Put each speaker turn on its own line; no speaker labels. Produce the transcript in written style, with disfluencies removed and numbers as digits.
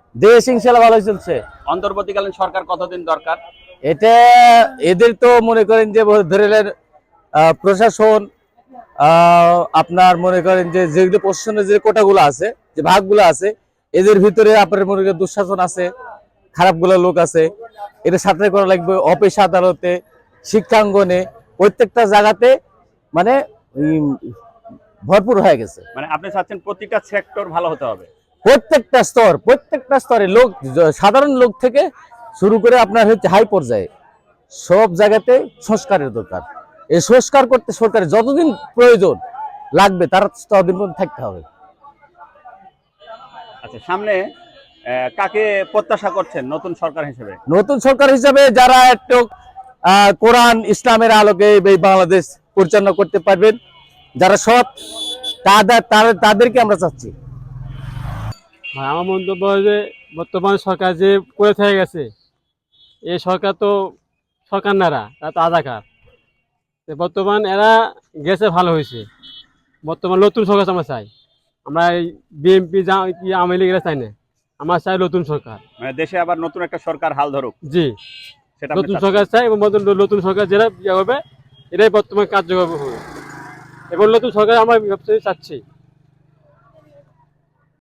দেশ ইনশাল্লাহ ভালো চলছে।
অন্তর্বর্তীকালীন সরকার কতদিন দরকার?
এটা এদের তো মনে করেন যে ধরে নেন প্রশাসন, আপনার মনে করেন যে যেগুলো প্রশাসনের যে কোটাগুলো আছে, যে ভাগগুলো আছে, এদের ভিতরে আপনার মনে করেন দুঃশাসন আছে, খারাপগুলো লোক আছে, এটা সাথে করা লাগবে। অফিস আদালতে, শিক্ষাঙ্গনে, প্রত্যেকটা জায়গাতে মানে উম, ভরপুর হয়ে গেছে।
মানে আপনি চাচ্ছেন প্রতিটা সেক্টর ভালো হতে হবে।
প্রত্যেকটা স্তরে লোক, সাধারণ লোক থেকে শুরু করে আপনার হচ্ছে হাই পর্যায়ে সব জায়গাতে সংস্কারের দরকার। এই সংস্কার করতে সরকারের যতদিন প্রয়োজন লাগবে তার ততদিন পর্যন্ত থাকতে হবে।
আচ্ছা, সামনে কাকে প্রত্যাশা করছেন নতুন সরকার হিসেবে?
নতুন সরকার হিসাবে যারা একটু কোরআন ইসলামের আলোকে এই বাংলাদেশ পরিচালনা করতে পারবেন, যারা সৎ, তাদেরকে আমরা চাচ্ছি।
আমার মন্তব্য যে বর্তমান সরকার যে করে থেকে গেছে, এই সরকার তো সরকার নারা, তারা তো আধাকার। বর্তমান এরা গেছে ভালো হয়েছে। বর্তমান নতুন সরকার আমরা চাই। আমরা এই বিএনপি কি আওয়ামী লীগ এরা চাই না, আমরা চাই নতুন সরকার।
মানে দেশে আবার নতুন একটা সরকার হাল ধরুক,
জি,
সেটা আপনি
নতুন
চাচ্ছেন?
সরকার চাই এবং নতুন সরকার যেটা ইয়ে হবে এটাই বর্তমান কার্যকর হবে এবং নতুন সরকার আমরা চাচ্ছি।